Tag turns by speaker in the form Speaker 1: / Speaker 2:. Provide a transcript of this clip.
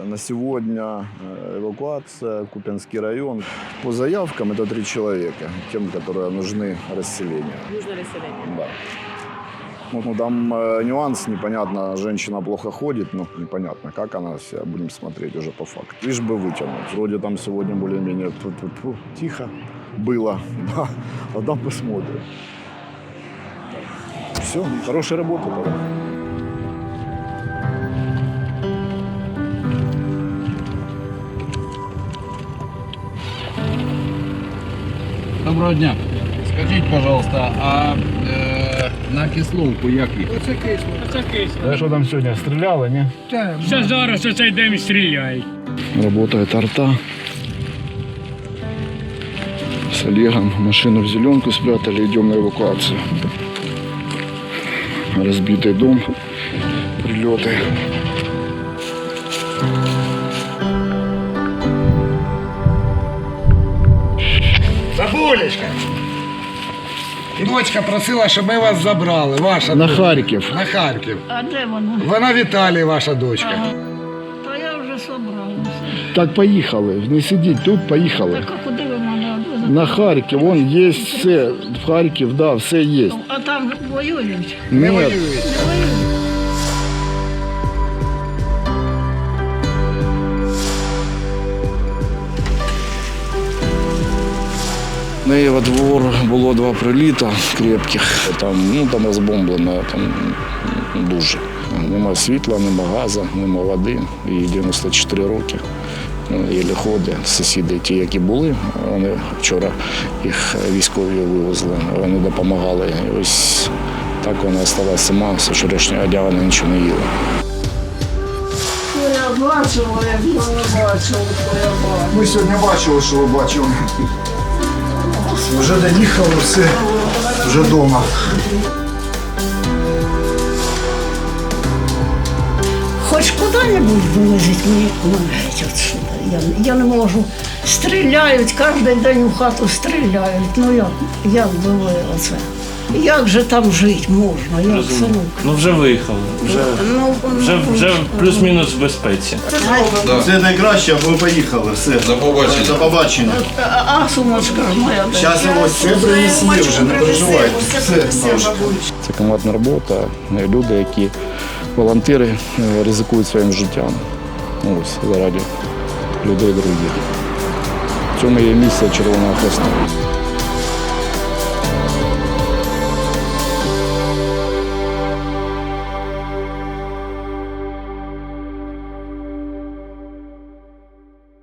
Speaker 1: На сегодня эвакуация, Купянский район. По заявкам это 3 человека, тем, которые нужны расселению.
Speaker 2: Нужно расселение.
Speaker 1: Да. Ну, там нюанс, непонятно, женщина плохо ходит, но непонятно, как она себя, будем смотреть уже по факту. Лишь бы вытянуть. Вроде там сегодня более-менее тихо было, да, а там посмотрим. Все, хорошая работа тогда.
Speaker 3: Доброго дня. Скажіть, пожалуйста, а на Кисловку як їхати?
Speaker 2: Це кисло.
Speaker 1: А що там сьогодні, стріляли, ні?
Speaker 2: Ще зараз оцей день стріляють.
Speaker 1: Работает арта. С Олегом машину в зеленку спрятали, идем на эвакуацию. Разбитый дом, прилеты.
Speaker 3: Бабулечка! Дочка просила, щоб ми вас забрали. Ваша
Speaker 1: На
Speaker 3: дочка.
Speaker 1: Харків.
Speaker 3: На Харків.
Speaker 4: А де вона?
Speaker 3: Вона в Італії, ваша дочка.
Speaker 4: Ага. Та я вже собралася.
Speaker 1: Так поїхали, не сидіть тут, поїхали.
Speaker 4: Так а куди ви мене відвезете?
Speaker 1: На Харків, вон є все, в Харків, да, все є.
Speaker 4: А там воюють?
Speaker 3: Не
Speaker 1: Ні,
Speaker 3: воюють.
Speaker 4: Не воюють.
Speaker 1: На його двор було 2 приліта крепких. Там розбомблено дуже. Нема світла, нема газу, нема води. Їй 94 роки. Єлі ходить. Сусіди, ті, які були, вони вчора їх військові вивезли, вони допомагали. І ось так вона залишилася сама, з вчорашнього дня вона нічого не їла.
Speaker 4: Я бачила, як ви бачили, що я бачила.
Speaker 1: Ми сьогодні бачили, що ви бачили. Вже доїхали, все, вже вдома.
Speaker 4: Хоч куди-небудь вивезіть мені геть отсюда. Я не можу. Стріляють, кожен день у хату стріляють. Ну як було оце? Як же там жити можна? Як синок?
Speaker 5: Ну вже виїхали, вже плюс-мінус в безпеці.
Speaker 6: Все найкраще, а ми поїхали. Все. До побачення. До побачення.
Speaker 4: А сумочка моя.
Speaker 6: Зараз ось все принесли вже, не переживайте. Все.
Speaker 1: Це командна робота, люди, які волонтери ризикують своїм життям. Ось, заради людей других. В цьому є місія Червоного Хреста.